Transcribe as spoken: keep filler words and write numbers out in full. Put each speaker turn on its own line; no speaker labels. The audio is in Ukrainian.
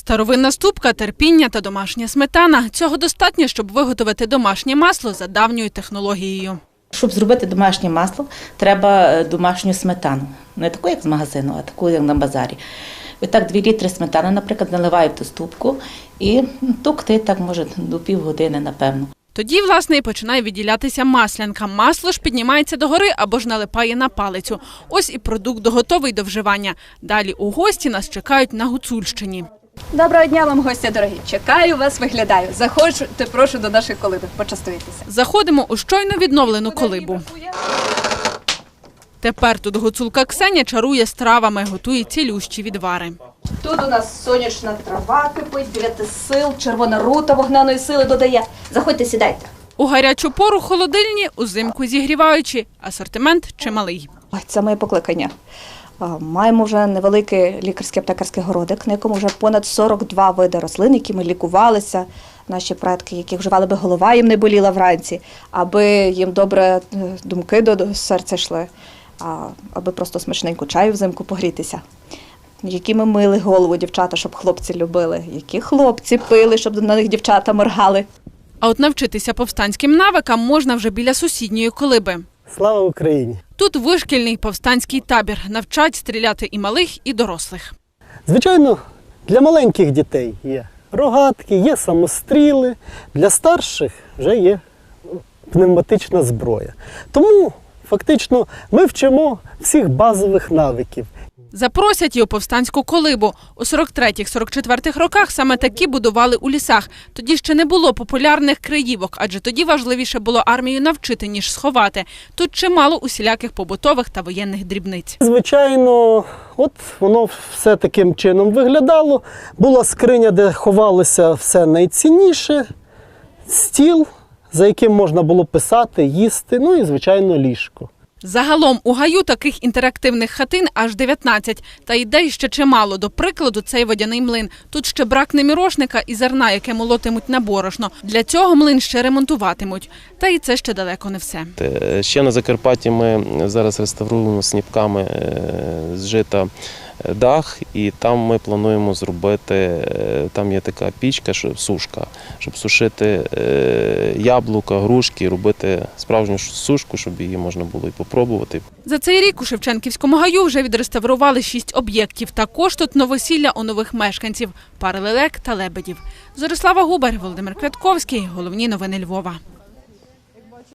Старовинна ступка, терпіння та домашня сметана. Цього достатньо, щоб виготовити домашнє масло за давньою технологією.
Щоб зробити домашнє масло, треба домашню сметану. Не таку, як з магазину, а таку, як на базарі. І так дві літри сметани, наприклад, наливають в ту ступку і тукти так, може, до півгодини, напевно.
Тоді, власне, і починає відділятися маслянка. Масло ж піднімається догори або ж налипає на палицю. Ось і продукт готовий до вживання. Далі у гості нас чекають на Гуцульщині.
Доброго дня вам, гості дорогі. Чекаю вас, виглядаю. Заходьте, прошу, до нашої колиби. Почастуйтеся.
Заходимо у щойно відновлену колибу. Тепер тут гуцулка Ксеня чарує стравами, готує цілющі відвари.
Тут у нас сонячна трава кипить, дев'яти сил, червона рута вогняної сили додає. Заходьте, сідайте.
У гарячу пору холодильні, узимку зігріваючі. Асортимент чималий.
Ой, це моє покликання. Маємо вже невеликий лікарський аптекарський городик, на якому вже понад сорок два види рослин, якими лікувалися наші предки, які вживали, би голова їм не боліла вранці, аби їм добре думки до серця йшли, аби просто смачненько чаю взимку погрітися. Які ми мили голову дівчата, щоб хлопці любили, які хлопці пили, щоб на них дівчата моргали.
А от навчитися повстанським навикам можна вже біля сусідньої колиби.
Слава Україні!
Тут вишкільний повстанський табір. Навчать стріляти і малих, і дорослих.
Звичайно, для маленьких дітей є рогатки, є самостріли. Для старших вже є пневматична зброя. Тому фактично ми вчимо всіх базових навиків.
Запросять і у повстанську колибу. У сорок третіх - сорок четвертих роках саме такі будували у лісах. Тоді ще не було популярних криївок, адже тоді важливіше було армію навчити, ніж сховати. Тут чимало усіляких побутових та воєнних дрібниць.
Звичайно, от воно все таким чином виглядало. Була скриня, де ховалося все найцінніше, стіл, за яким можна було писати, їсти, ну і, звичайно, ліжко.
Загалом у гаю таких інтерактивних хатин аж дев'ятнадцять. Та ідей ще чимало. До прикладу, цей водяний млин. Тут ще бракне мірошника і зерна, яке молотимуть на борошно. Для цього млин ще ремонтуватимуть. Та і це ще далеко не все.
Ще на Закарпатті ми зараз реставруємо сніпками з жита дах, і там ми плануємо зробити, там є така пічка, сушка, щоб сушити яблука, грушки, робити справжню сушку, щоб її можна було і попробувати.
За цей рік у Шевченківському гаю вже відреставрували шість об'єктів. Також тут новосілля у нових мешканців – пари лелек та лебедів. Зорислава Губар, Володимир Квятковський. Головні новини Львова.